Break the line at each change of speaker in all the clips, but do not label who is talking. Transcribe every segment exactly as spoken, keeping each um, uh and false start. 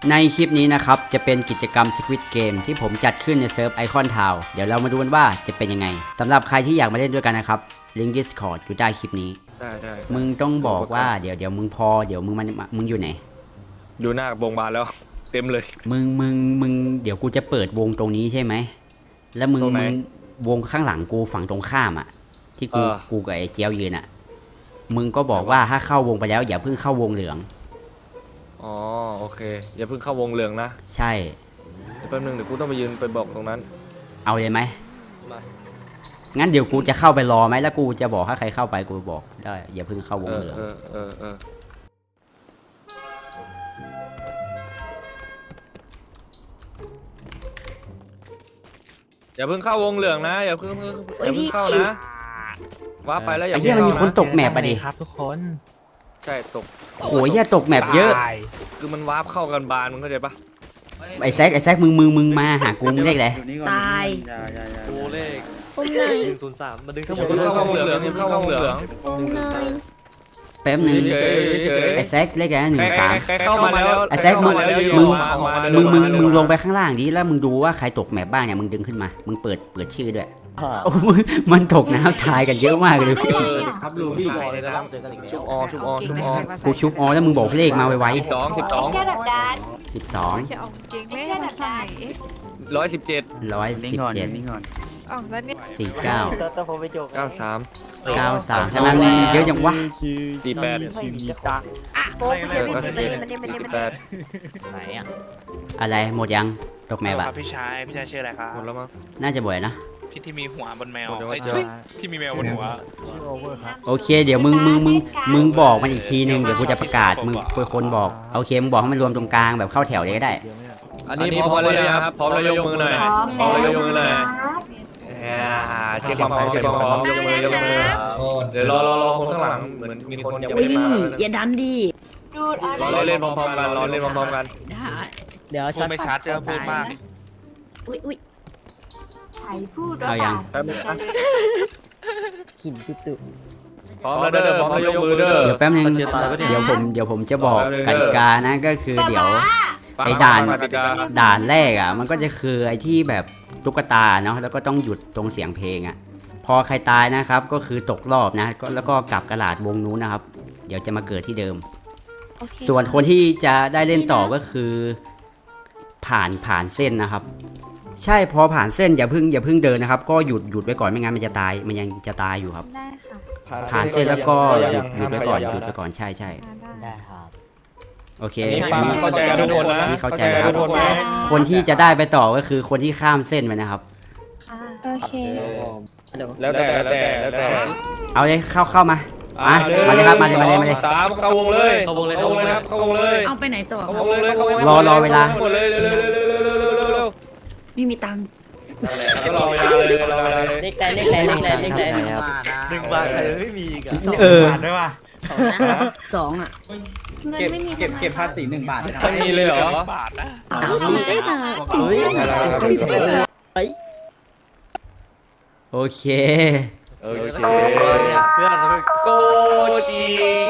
ในคลิปนี้นะครับจะเป็นกิจกรรม Squid Game ที่ผมจัดขึ้นในเซิร์ฟไอคอนทาวเดี๋ยวเรามาดูกันว่าจะเป็นยังไงสำหรับใครที่อยากมาเล่นด้วยกันนะครับลิงก์ Discord อยู่ใต้คลิปนี้
ได้ได้
มึงต้องบอกว่าเดี๋ยวเดี๋ยวมึงพอเดี๋ยวมึงมันมึงอยู่ไหน
อยู่หน้าโรงพยาบาลแล้วเต็มเลย
มึงมึงมึงเดี๋ยวกูจะเปิดวงตรงนี้ใช่ไหมแล้วมึงมึงวงข้างหลังกูฝั่งตรงข้ามอ่ะที่กูกูกับไอ้เจียวยืนอ่ะมึงก็บอกว่าถ้าเข้าวงไปแล้วอย่าเพิ่งเข้าวงเหลือง
อ๋อโอเคอย่าเพิ่งเข้าวงเหลืองนะ
ใช่
แป๊บนึงเดี๋ยวกูต้องไปยืนไปบอกตรงนั้น
เอาเลยไหมงั้นเดี๋ยวกูจะเข้าไปรอไหมแล้วกูจะบอกถ้าใครเข้าไปกูบอกได้อย่าเพิ่งเข้าวงเหลือง
เออเออเอออย่าเพิ่งเข้าวงเหลืองนะอย่าเพิ่งอย่าเพิ่งเข้านะว้าไปแล้วอย่าเพิ่ง
เข้านะมันมีคนตกแมปไปดิ
ครับทุกคน
ใช่ตก
โอ้ยแย่ตกแมปเยอะ
คือมันวาร์ปเข้ากันบานมึงเข้าใจปะ
ไอ้แซกไอ้แซกมึงมึงมึงมาหากูมึงเลขอะไร
ตาย
กูเลข
อุ้มหน่อย
หนึ่งศูนย์สามมาดึงทั้งหมดเข้าวงเหลืองเข้าวงเหลือง
อุ้มหน่อย
แป๊บนึงไอ้แซกเลขอะไรหนึ่งสาม
เข้ามาแล้ว
ไอ้แซกมึงมึงมึงมึงมึงลงไปข้างล่างดิแล้วมึงดูว่าใครตกแมปบ้างเนี่ยมึงดึงขึ้นมามึงเปิดเปิดชื่อด้วยมันตกน้ำตายกันเยอะมากเลย
ครับลุงพี่บอกเลยนะชุบอชุบอชุบอ
กูชุบอแล้วมึงบอกเลขมาไว
ๆสิบสองสิบสอง
สิบสอง
ร้อยสิบเจ็ด
ร้อยสิบเจ็ดสี่เก้า
เก้าสาม
เก้าสามฉะนั้นเยอะจังวะ
สี่แปด
โป๊ะไม่ได้ไม่ได้ไม่ได้ไม่ได้ไม่ได้
ไหนอ่ะ
อะไรหมดยังตกแมปอะ
พี่ชายพี่ชายชื่ออะไรครับ
หมดแล้วมั้ง
น่าจะบ่อยนะ
พี่ที่มีหัวบนแมวที่มีแมวบนหัว
โอเคเดี๋ยวมึงมึงมึงมึงบอกมันอีกทีนึงเดี๋ยวกูจะประกาศมึงเป็นคนบอกโอเคมึงบอกให้มันรวมตรงกลางแบบเข้าแถวเลยก็ได้
อันนี้พร้อมเลยครับพร้อมแล้วยกมือหน่อยพร้อมแล้วยกมือหน่อยเช็คความพร้อมเช็คความพร้อมยกมือยกมือเดี๋ยวรอรอรอคนข้างหลังเหมือนมีคนยังไม่มา
อย่าดันดิ
รอเล่นพร้อมๆกันรอเล่นพร้อมๆกัน
เดี๋ยวพูดไม่ชัดเดี๋ยวพูดมาก
อุ้ยอุ้ย
เอายัง
หินตุ๊ตุ๊
พร้อมแล้วเด้อพร้อมแล้วยกมือเด้อ
เดี๋ยวแป๊บนึงเดี๋ยวผมเดี๋ยวผมจะบอกกติกานะก็คือเดี๋ยวไอ้ด่านด่านแรกอ่ะมันก็จะคือไอ้ที่แบบตุ๊กตาเนาะแล้วก็ต้องหยุดตรงเสียงเพลงอ่ะพอใครตายนะครับก็คือตกรอบนะแล้วก็กลับกระดาษวงนู้นนะครับเดี๋ยวจะมาเกิดที่เดิมส่วนคนที่จะได้เล่นต่อก็คือผ่านผ่านเส้นนะครับใช่พอผ่านเส้นอย่าพึ่งอย่าพึ่งเดินนะครับก็หยุดหยุดไว้ก่อนไม่งั้นมันจะตายมันยังจะตายอยู่ครับ
ได้ค่ะ
ผ่านเส้นแล้วก็หยุดหยุดไว้ก่อนหยุดไว้ก่อนใช่ใช่
ได้ครับ
โอเค
เข้าใจกันทุกคนนะ
เข้าใจครับคนที่จะได้ไปต่อก็คือคนที่ข้ามเส้นไปนะครับ
โอเค
แล้วแต่แล้วแต่แล้วแต่
เอาเลยเข้าเข้ามาอ่ะมาเลยครับมาเลยมาเลยมาเลย
สามเข้าวงเลยเข้าวงเลยเข้าวงเลยครับเข้าวงเลย
เอาไปไหนต่อ
เข้าวงเลยเข้าวงเลย
รอรอเวลา
ไม่มีตังค์
รอเวลาเลยรอเวลาเลย
เล็กแต่เล็กแต่เล็กแต่เล็กแต่
หนึ่งบาทใครไม่มีอีกอ่ะ
เออ
สองอ่ะ
เก็บเก็บเก็บภาษีหนึ่งบาทนะ
ไม่มีเลยเหรอบาทนะ
ได้ตังค์
โอเค
โอเคเพื่อนโกชี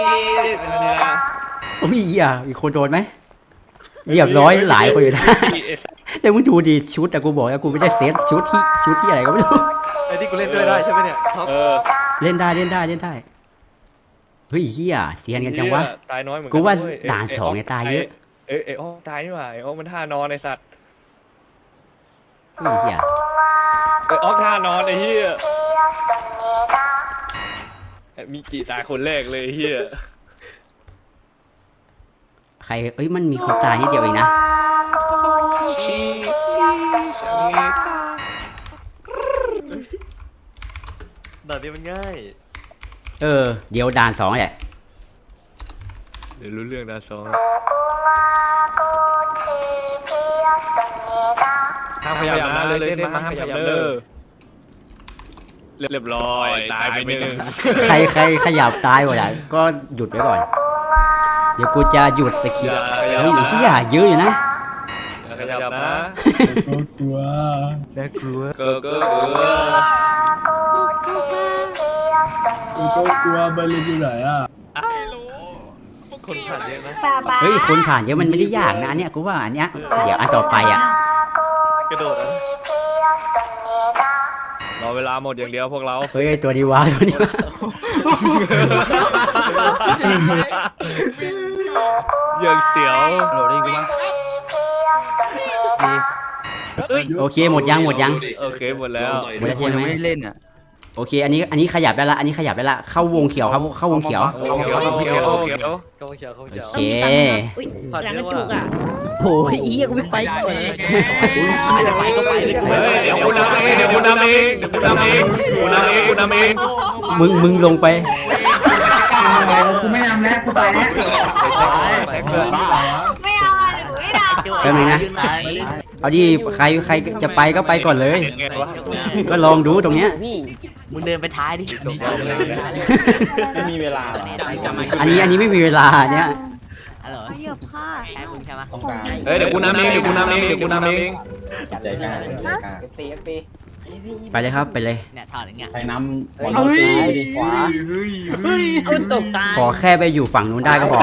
โอ้ยอ่ะมีคนโดนไหมเรียบร้อยหลายคนอยู่นะแต่มึงดูดิชุดแต่กูบอกแล้วกูไม่ได้เซตชุดที่ชุดที่อะไรก็ไม่รู้
ไอ้ที่กูเล่นด้วยได้ใช่ไหมเนี่ย
เล่นได้เล่นได้เล่นได้เฮ้ยเฮียเซียนกันจังวะ
ตายน้อยเหมือน
กูว่าด่านสองเนี่ยตายเยอะ
เอ้ยเอ้ยตายนี่หว่าไอ้โอ้มันท่านอนไอ้สัตว์
เฮ้ยเฮีย
ไอ้ออกท่านอนไอ้เฮียมีกี่ตายคนแรกเลยเฮีย
ใครเอ้ยมันมีคนตายนิดเดียวเองนะ
ด่านนี้มันง่าย
เออเดี๋ยวด่านสองแหละ
เดี๋ยวรู้เรื่องด่านสองห้ามพยายามนะเลยเส้นมาห้ามพยายามเด้อเรียบร้อยตายไปหนึ่ง
ใครใครขยับตายหมดอ่ะก็หยุดไว้ก่อนเดี๋ยวกูจะหยุดสกิลเฮ้ยที่อย่าเยอะอยู่นะ
ขยับนะ
กลัว
น่ากลัวเกอเกอเกอ
กูก็กลัวไปเลยอยู่ไหนอ่ะ
ไม่รู้พวกคนผ่านเยอะนะ
ป้าป้า
เฮ้ยคนผ่านเยอะมันไม่ได้ยากนะอันเนี้ยกูว่าอันเนี้ยเดี๋ยวอันต่อไปอ่ะ
กระโดดนะ
รอเวลาหมดอย่างเดียวพวกเรา
เฮ้ยตัวดีวะตัวนี้วะ
ยังเสียว
โดดได้กูมั้ง
โอเคหมดยังหมดยัง
โอเคหมดแล้ว
หมดแล้วใช่ไหม
ไม่เล่นอ่ะ
โอเคอันนี้อันนี้ขยับได้ละอันนี้ขยับได้ละเข้าวงเขียวครับเข้าวงเขียว
โอเคโอเคโอเค
โอเค
อุ้ยหลังกระจุกอ่ะ
โอ้ยเอี้ยกูไม่ไปก่อน
จะไปก็ไปเลยกู
เฮ้ยเดี๋ยวกูนำเองเดี๋ยวกูนำเองเดี๋ยวกูนำเองกูนำเองกูนำเอง
มึงมึงลงไป
กูไม่นำแล้วกูไปแล้ว
แท็กเกิน
ไม่เอาอ่ะหนูไม่เอา
แป๊บนึงนะเอาดิใครใครจะไปก็ไปก่อนเลย
ไงวะ
ก็ลองดูตรงเนี้ย
มึงเดินไปท้ายดิ
ไม่มีเวลา
อันนี้อันนี้ไม่มีเวลาเนี่ย
อะไร
เหยียบผ้า
แค่มึงใช่ไหม
ต้องการ
เฮ้ยเดี๋ยวกูนำเองเดี๋ยวกูนำเองเดี๋ยวกูนำเอง
ใจกล้าใจกล้า
ไปเลยครับไปเลย
เนี่ยถอดอย่างเงี้ย
ใครน้ำบอลซ้ายดีขวา
อุ้ยตกตาย
ขอแค่ไปอยู่ฝั่งนู้นได้ก็พอ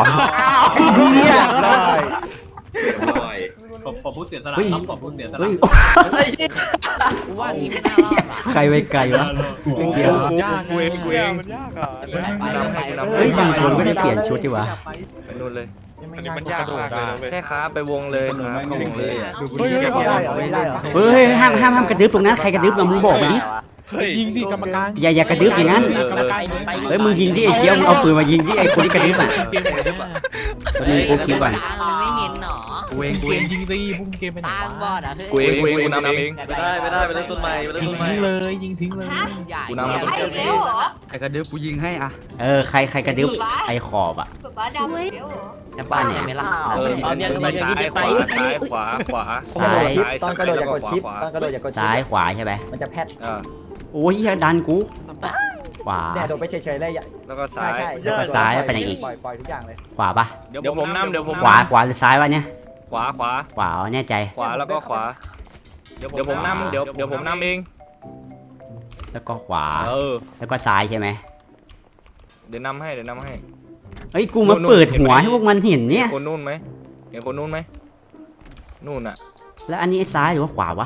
ผมผมพูดเสียสละ
เฮ้ย
ครับผมพูดเสียสละ
เฮ้ย
กูว่างี้ไม่น่ารอดว่ะ
ใครไปไกลวะ เดี๋ยว
กูเองกูเอง
ไปไปไป
เฮ้ยบางคนไม่ได้เปลี่ยนชุดดีวะ
ไปนู่นเลย
อันนี้มันยากมากเลยนะเว้ย
แค่ครับไปวงเลยครับเข้าวงเลย
เฮ้ยเอาได้เหรอไม่ได้เหรอ
เฮ้ยห้ามห้ามห้ามกระดึบตรงนั้นใครกระดึบมามึงบอกมาดิ
ยิงดิกรรมการ
อย่าอย่ากระดึบอย่างนั้น
กรรมการ
เฮ้ยมึงยิงดิไอ้เจี๊ยบมึงเอาปืนมายิงดิไอ้คนที่กระดึบอ่ะตอนนี้กูคิดก่อน
มันไม่เห็นหรอ
กูเองกูเองยิงดิพุ่งเกมไปไหน
ตามบอ
วะ
ดอ่ะเฮ้ย
กูเองกูเองกูนำเอง
ไม่ได้ไม่ได้ไปเริ่มต้นใหม่ไปเริ่ม
ยิง
ต้นใหม่
ทิ้งเลยยิงทิ้งเลย
ใหญ่
กูนำ
ไอ้เร็วเหรอ
ไอ้กระดึ๊บกูยิงให้อ่ะ
เออใครใครกระดึบไอ้ขอบอ่ะ
ป๊าป๊าดำเร็วเหรอ
จะบ้านใช่ไหมล่ะ
เออ
เอาเนี่ยก็มา
ซ้ายขวาซ้ายขวาขวา
ซ้าย
ตอนกระโดดอย่ากดชิปตอนกระโดดอย่ากดชิป
ซ้ายขวาใช่ไหม
มันจะแพท
อ่า
โอ้ยอย่าดันกูขวา
เนี่ยโดดไปเฉยๆเลย
แล้วก็
ใช่
ซ้าย
ใช่
แล้วก็ซ้ายไปไหนอีก
ปล่อยปล่อยทุกอย่างเลย
ขวาปะ
เดี๋ยวผมนำเดี๋ยวผม
ขวาขวาหรือซ้ายวะเนี่ย
ขวาขวา
ขวาอ๋อแน่ใจ
ขวาแล้วก็ขวา เดี๋ยวผมนำเดี๋ยวเดี๋ยวผมนำเอง
แล้วก็ขวา
เออ
แล้วก็ซ้ายใช่ไหม
เดี๋ยวนำให้เดี๋ยวนำให้
เฮ้ยกูมาเปิดหัวให้พวกมันเห็นเนี่ย
เห็นคนนู่นไหมเห็นคนนู่นไหมนู่นอ่ะ
แล้วอันนี้ซ้ายหรือว่าขวาวะ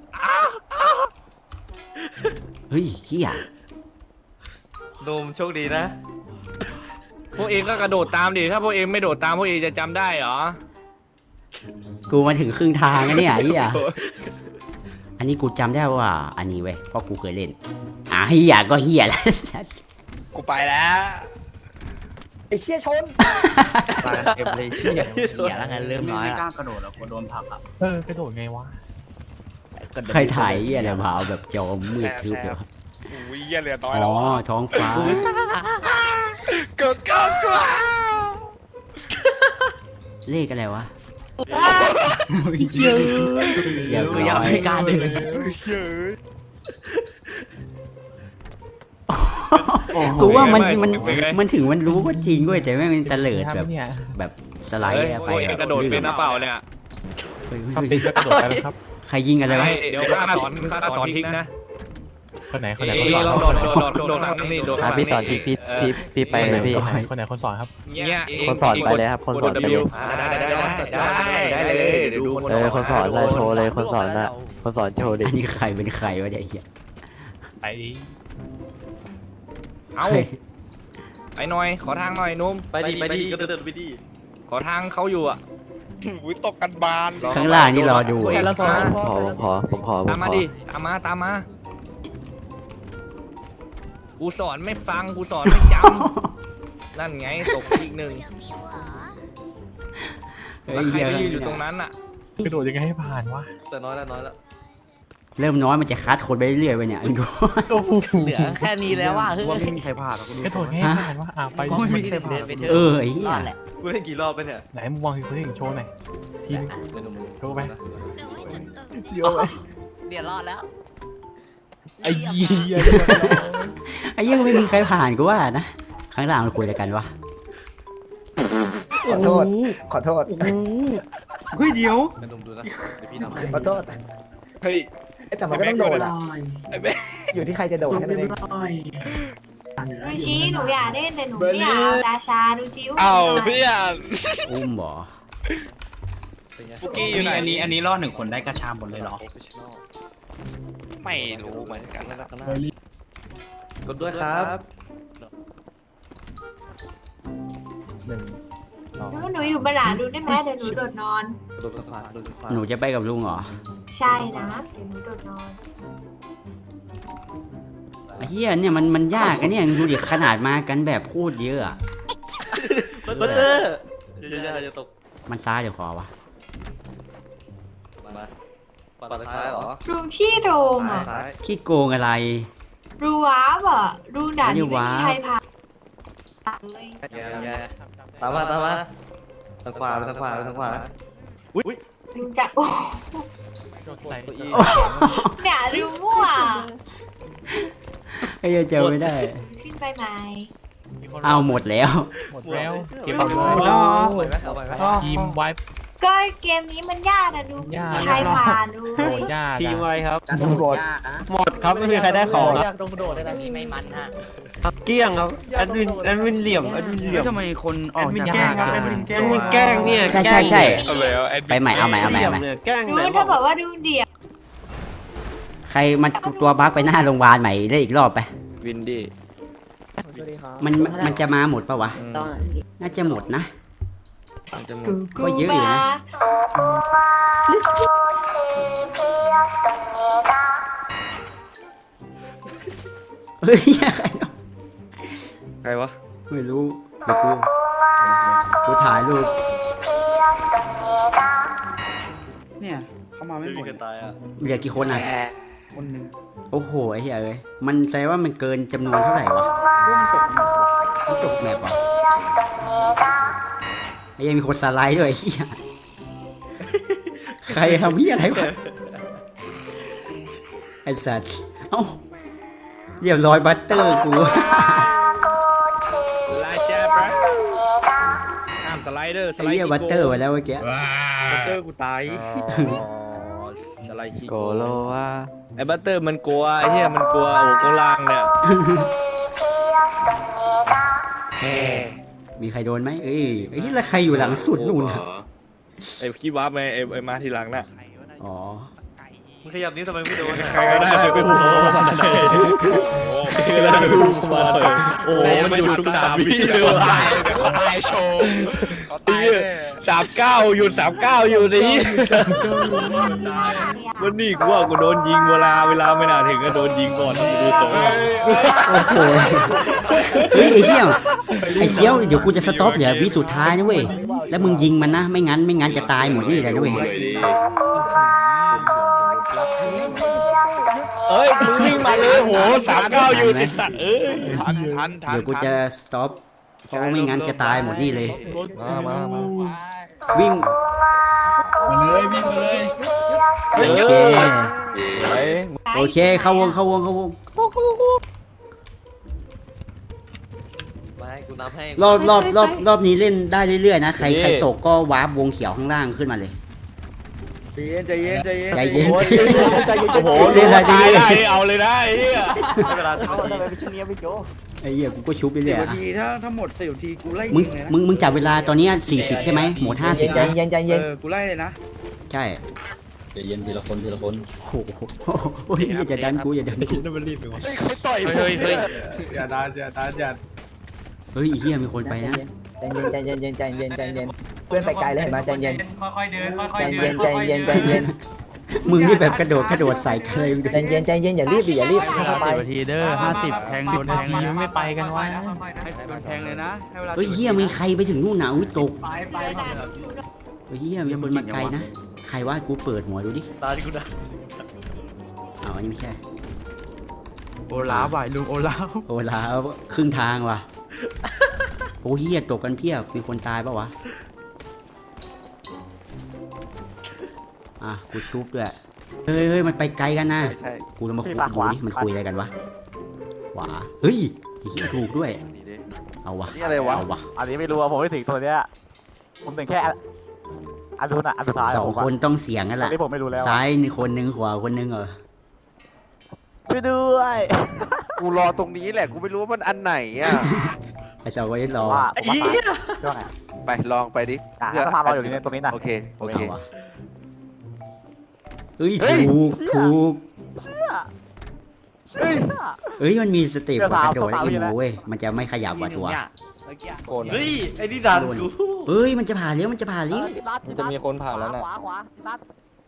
เฮ้ยเฮีย
โดมโชคดีนะ
พวกเองก็กระโดดตามดิถ้าพวกเองไม่โดดตามพวกเองจะจำได้เหรอ
กูมาถึงครึ่งทางแล้วเนี่ยเฮียอันนี้กูจำได้ว่าอันนี้เว้ยเพราะกูเคยเล่นอ่ะเฮียก็เฮียแล้ว
กูไปแล้ว
ไอ้เชี่ยชน
เก็บเลยเชี่ยเชี่ยแล้วไงเริ่มน้อย
ไม่
ละ
กล้ากระโดดหรอกโดนผลักอ่ะเออกระโดดไงวะ
ใครถ่ายเฮียอะไรมาเอาแบบจอมืดทึบเลยวะ
อุ้ยเหี้ยเหลือน้อย
อ๋
แล้ว
อท้องฟ้า
ก็ก็ก็
เลขอะไรวะ
เยอะ
เดี๋ยว
กูยังไม่กล้าเดิน
กูว่ามัน
ไม่
มัน
เป็นไง
มันถึงมันรู้ว่าจริงเว้ยแต่ไม่มันเตลิดแบบ
เนี่ย
แบบสไลด์
เฮ้ย
อะ
พ
ไป
วกเองกระโดดเป็นนะเปล่าเนี่ย
เฮ้ย
ถ้า
เฮ้ย
ปิ
เฮ้
ด
ย
ก็กระโดดไปแล้วครับ
ใครยิงอะไรวะ
เดี๋ยวข้าสอนข้าสอนทิกนะ
คนไหนคนไหน
เอ้
คน
ย
สอน
เราโดดโดดโดดโดดข้างนี้โดดข้างนี้
พี่สอนพี่พี่พี่พี่ไปเลยพี่
คนไหนคนสอนครับ
เนี่ยเง
คนสอนไปเลยครับคนสอน
กด
ไปเลย
W ได้ได้ได้ได้ได้เลยเดี๋ยวดู
เออคนสอนเลยโชว์เลยคนสอนนะคนสอนโชว์ดิ
อันนี้ใครเป็นใครวะเนี่ยไอ้เหี้ย
ไป
เอา
เฮ้ย
ไปหน่อยขอทางหน่อยนุ่ม
ไปดีไปดีก็เดินไปดี
ขอทางเขาอยู่อ่ะ
อุ้ยตกกันบาน
ข้างล่างนี่รอดู
เว้ย
เว้ย
มา
ผมขอผมขอผมขอผ
ตาม
ม
มา
ขอ
ดิตามมาตามมากูสอนไม่ฟังกูสอนไม่จำนั่นไงตกอีกหนึ่ง
เฮ้
แล้ว
ย
ใคร
เหี้ย
ไปยืนอยู่ตรงนั้นอ่ะ
กระโดดยังไงให้ผ่านวะ
แต่น้อยแล้วน้อยแล้ว
เริ่มน้อยมันจะคัดคนไปเรื่อยๆไปเนี่ยดู
โอ้โห
เหลือแค่นี้แล้วว่ะเฮ้ย
ว่าไม่มีใครผ่านหรอก
กระโดดให้ผ่านวะอ่ะไป
ก็
ไม่
ไม่
มี
ได้
ใครผ่า
เดิ
น
นไปเถอะ
เออไอ้เหี้ย
รอดแหละ
กูเล่นกี่รอบไปเนี่ย
ไหนมึงวางคือโชว์หน่อยทีนึง
เดี๋ยวหนุ่ม
โชว์ไป
เดี๋ยวรอดแล้ว
ไอ้เหี้ย
ไอ้เหี้ยไม่มีใครผ่านกูว่านะข้างล่างมันคุยอะไรกันวะ
ขอโทษ ขอโทษ
เฮ้ยเดี๋ยวเดี๋ยวหนุ่มดูนะเดี๋ยวพี่นำ
ขอโทษ
เฮ้ย
เอ้ยแต่มันก็ต้องโดดอ่ะอยู่ที่ใครจะโดดแค่นั้นเอง
ดูชี้หนูอยากเล่นแต่หนูไม่อยากเอาราชาดูจิ้ว
เอาเพื่อน
อุ้มบ่
ปุกกี้อยู่ไหน
อันนี้อันนี้รอดหนึ่งคนได้กระชาหมดเลยเหรอ
ไม่รู้เหมือนกันนะ
กดด้วยครับ
หนึ่งสอง
หนูอยู่บนหลังดูได้ไหมเดี๋ยวหนูโดดนอน
กดขวาโดนขวา
หนูจะไปกับลุงเหรอ
ใช่นะเดี๋ยวหนูโดดนอน
ไอ้เหี้ยเนี่ยมันมันยากอะเนี่ยดูดิขนาดมากันแบบพูดเยอะอะ
บัตเตอร์อย่าอย่าอย่าตก
มันซ้ายเดี๋ยวขอวะ
มาปัดซ้ายเหรอ
รูขี้โดงอ่ะ
ซ้าย
ขี้โกงอะไร
รูว้าบอ่ะรูด่านนี้
ไม่
ไม่
ได้ว้าบ
มีใครผ่านเลย
อย่าอย่าตามมาตามมาทางขวาไปทางขวาไปทางขวาอุ้ย
รูจะโอ้
ใส่
เนี่ยรูมั่ว
ไอ้เหี้ยเจอไม่ได้
ขึ้นไปไหม
เอาหมดแล้ว
หมดแล้วเก็บ
โอ้
หมดแล้ว
โห
ไปไหมเอาไปไหม
ทีมไวป์
ก็เกมนี้มันยากนะดู
ยาก
มีใครผ่านดู
โหดยาก
ทีม
อะ
ไวครับ
ตำรวจ
หมดครับไม่มีใครได้ของ
อยากลงกระโดดได้ไหม
นี่ไม่มันฮะ
เกี้ยงครับแอดมินแอดมินเหลี่ยมแอดมินเหลี่ยม
ทำไมคนออกจาก
แกล้งครับแอดมินแกล้ง
มันแกล้งเนี่ย
ใช่ใช่ใช่
เอาเลยเอาแอดมิน
ไปใหม่เอาใหม่เอาใหม่เอาใหม่
เนี่ยแกล้ง
ดู
ไหนบ
ถ้า
อก
บอกว่าดูเดี่ยว
ใครมันตัวบั๊กไปหน้าโรงพยาบาลใหม่ได้อีกรอบไป
วินดี้
มันมันจะมาหมดปะวะ น่าจะหมดนะ
จะหมด
ก็เยอะอยู่นะ เฮ้ยใครวะ
ใครวะ
ไม่รู้เดี๋ยวกูกูถ่ายรูป
เนี่ยเขามาไม่
ไม่
หม
มี
ด
ใครตายอ่ะ
เหลือกี่คนอ่ะ
คนหนึ่ง
โอ้โหไอ้เหี้ยเอ้ยมันแสดงว่ามันเกินจำนวนเท่าไหร่วะ
ร่วงตกหมด
มันจบแมปวะไอ้เหี้ยังมีคนสไลด์ด้วยไอ้เหี้ยใครทำเหี้ยอะไรวะไอ้สัตว์เอ้าเรียบร้อยบัตเตอร์กู
ลาชาปะห้ามสไลเดอร์ส
ไอ้
ไลด์
เหี้ยบัตเตอร์ไปแล้วเมื่อกี้
บัตเตอร์กูตายสไลด์ขี้
โกโลว่า
ไอ้บัตเตอร์มันกลัวไอ้เหี้ยมันกลัวโอ้โกล่างเนี่ย
มีใครโดนไหมเอ้ยไอ้เหี้ยแล้วใครอยู่หลังสุดนู่นอะ
ไอ้ขี้วาร์ปไงไอ้ไอ้มาทีหลังน่ะ
อ๋อ
มึงขยับนี้ทำไมไม่โดน
ใครก็ได้ไปไปพูดเข้ามาเลยโอ้ใครก็ได้ไปพูดเข้ามาเลยโอ้มันหยุดทุกสามวิเลยว่ะเขาตายโชว์เขาตายสามเก้าหยุดสามเก้าอยู่นี่วันนี้กูว่ากูโดนยิงเวลาเวลาไม่น่าถึงก็โดนยิงก่อนดูทรง
โอ้โหเฮ้ยไอ้เหี้ยไอ้เจียวเดี๋ยวกูจะสต็อปเหลือวิสุดท้ายนะเว้ยแล้วมึงยิงมันนะไม่งั้นไม่งั้นจะตายหมดนี่เลยนะเว้ย
เอ้ยมึงวิ่งมาเลยโหสามเก้าอยู่ไอ้สัตว์เอ้ยทันทันทัน
เดี๋ยวกูจะสต็อปเพราะว่าไม่งั้นจะตายหมดนี่เลย
มามามา
วิ่ง
มาเลยวิ่งมาเลย
โอเค
เฮ้ย
โอเคเข้าวงเข้าวงเข้าวง
มาให้กูนับให้
รอบรอบรอบรอบนี้เล่นได้เรื่อยๆนะใครใครตกก็วาร์ปวงเขียวข้างล่างขึ้นมาเลย
ใจเย็นใจเย็น
ใจเย็น
โอ้โห
เล่นอะไรดี
ตายได้เอาเลยนะไอ้เหี้ย
เวลาสิบ
เอา
นาที
ทำไมเป็นช่วงนี้ไม่โจ
ไอ้เหี้ยกูก็ชุบไป
สิ
เรื่อย
บ
อะ
นาทีถ้าถ้าหมดสิบนาทีกูไล่
มึง
ยิงเลยนะ
มึงมึงจับเวลาตอนเนี้สี่สิบใช่ไหมหมดห้าสิบ
ใจ
นะ
เย็นใจเย็น
เออกูไล่เลยนะ
ใช่
ใจเย็นทีละคนทีละคน
โอ้โหโอ้ยอย่าดันกูอย่าดันกู
ต่อยเฮ้ยเฮ้ย
อย่าดานอย่าดานอย่า
เฮ้ยไอ้เหี้ยมีคนไปนะ
ใจเย็นใจเย็นใจเย็นใจเย็นเพื่อนไปไกลเลยเห็นไหมใจเย็น
ค่อยๆเดินค่อย
ใจ
ๆเดิ
เย็
น
นใจเย็นใจเย็น
มึงนี่แบบกระโดดกระโดดใส่กันเลย
ใจเย็นใจเย็นอย่ารีบดิอย่ารีบไป
สิบนาทีเด้อห้าสิบแทง
สิ
โด
บ
น
นา
แทง
ทีไม่ไปกันวะ
ให้โดนแทงเลยนะให้เวลา
เฮ้ยเหี้ยมีใครไปถึงนู่นน่ะอุ้ยตก
ไปไป
เฮ้ยเหี้ยมีคนมาไกลนะใครว่ากูเปิดหัวดูดิ
ตาที่กูได้
อ้าวอันนี้ไม่ใช่
โอลาฟว่ะลุงโอลาฟ
โอ้ลาครึ่งทางว่ะโอ้เหี้ยตกกันเพียบมีคนตายปะวะอ่ะกูชุบด้วยเฮ้ยเฮ้ยมันไปไกลกันนะ
ใช่
กูจะมาคุยดูนี่มันคุยอะไรกันวะขวาเฮ้ยไอ้เหี้ยถูกด้วย
นี่ดิ
เอาวะ
นี่อะไรวะ
เอาวะ
อันนี้ไม่รู้ว่าผมไม่ถึงตัวเนี้ยผมเป็นแค่อันนู้นอ่ะอันสุดท้าย
สองคนต้องเสียงกัน
ตอน
ละ
นี้ผมไม่รู้แล้ว
ซ้ายคนหนึ่งขวาคนหนึ่งเหรอ
ช่วยด้วย
กูรอตรงนี้แหละกูไม่รู้ว่ามันอันไหนอ่ะ
ไอ้สองคนนี้รอ
ว่าผมว่าตายช่วยไง
ไปลองไปดิ
อ่ะถ้าพาเราอยู่ในตรงนี้นะ
โอเคโอ
ไม่
เค
เอาวะเอ้ย
เฮ้ย
ถูกถูก
เชื่อ
เฮ้ย
เอ้ยมันมีสเต็ป
เดี๋ยว
กระโดด
สาว
และอี
สาว
โมเว้ยมันจะไม่ขยับว่ะตัว
โกน
เฮ้ยไอ้นี่ดันกู
เอ้ยมันจะผ่านเลี้ยวมันจะผ่านเลี้ยว
มันจะมีคนผ่านแล้วนะ
ขวาขวาขวา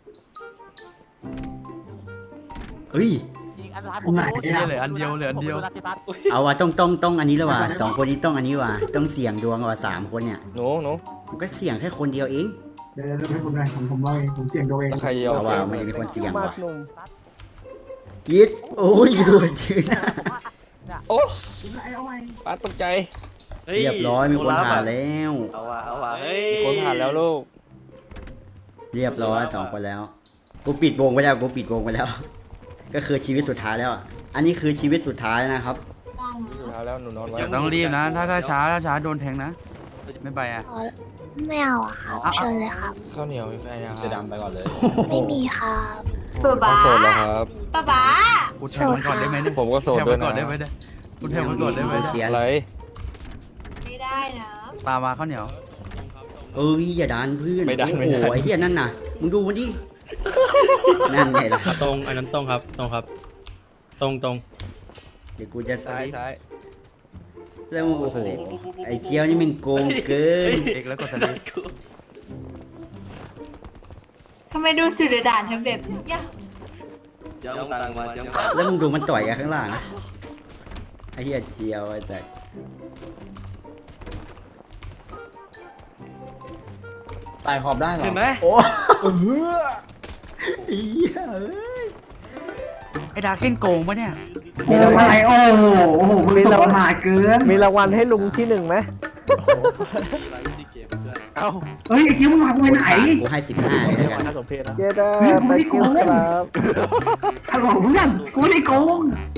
เอ้ย
ยิงอันท้ายผมรู้
เหลืออันเดียวเหลืออันเดียว
ผมรู้นะพี่ตั๊ด
เอาว่ะต้องต้องต้องอันนี้แล้วว่ะสองคนนี้ต้องอันนี้ว่ะต้องเสี่ยงดวงว่ะสามคนเนี่ย
หนูหนู
มันก็เสี่ยงแค่คนเดียวเอง
เดี๋ยวเดี๋ยวให้ผมหน่อยผมผมว่าเองผมเสี่ยงตัวเอง
ใครยอม
เอา
เสี
ว่ะ
ยง
มันจะมีคนเสี่ยง
มาก
ว่ะ
หนุ่ม
ยิดโอ้ยโดนชื่อหน้า
โอ้ป้าตกใจ
เฮ้ย
เรียบร้อยมีคนผ่านแล้ว
เอาว่ะเอาว่ะเฮ้ย
มีคนผ่านแล้วลูก
เรียบร้อยสองคนแล้วกูปิดวงไปแล้วกูปิดวงไปแล้ว ก็คือชีวิตสุดท้ายแล้วอ่ะอันนี้คือชีวิตสุดท้ายนะครับ
สุดท้ายแล้วหนูนอนไว้
เดี๋ยวต้องรีบนะ ถ้าถ้าช้าถ้าช้าโดนแทงนะ ไม่ไปอ่ะ
อ๋อไม่เอาอะครับเชิญเลยครับ
ข้าวเหนียวมีแฟนยัง
จะดำไปก่อนเลย
ไม่มีครับ
ป๊าโสดแล้วครับ
ป้าบ้า
กูแทงมันก่อนได้ไหมเนี่ย
ผมก็โสด
แทง
ด้ว
มั
ย
นก่อนได้
นะ
ไหมเนี่ยกูแทงมันก่อนได้ไหมเนี่ย
เสีย
อะไร
ไม่ได้นะ
ตามมาข้าวเหนียว
เอ้ยอย่าดันเพื่อน
ไม่ดัน
โอ้
ไม่
โห
ดัน
ไอ้เหี้ยนั่นน่ะมึงดูมันดินั่นไงล่ะ
ตรงอันนั้นตรงครับ ตรงครับ ตรงตรง
เดี๋ยวกูจะ
ซ้ายซ้าย
แล้วโอ้โหไอ้เจียวนี่มันโกงเกิน
เอกแล้วกดสลิป
ทำไมดูสุดด่านทำแบบนี้ย
เจ้าตังมาเจ้าตัง
แล้วมึงดูมันต่อยกันข้างล่างนะไอ้เหี้ยเจียวไอ้สัส
ตายขอบได้เหรอ
เห็นไหม
โอ้ไอ้เหี้ยเอ้ย
ไอ้ดาเก้นโกงปะเนี่ย
มีรางวัล
โอ้โหโอ้โหมีเราหาเกิน
มีรางวัลให้ลุงที่หนึ่งไหม
เอ้า
เฮ้ยไอ้คิวมึงพากูไปไหน
กูให้สิบห้าเลยแล้วกัน
เย้ได้ไปคิวครับ
ฮัลโหลเพื่อนกูไม่ได้โกง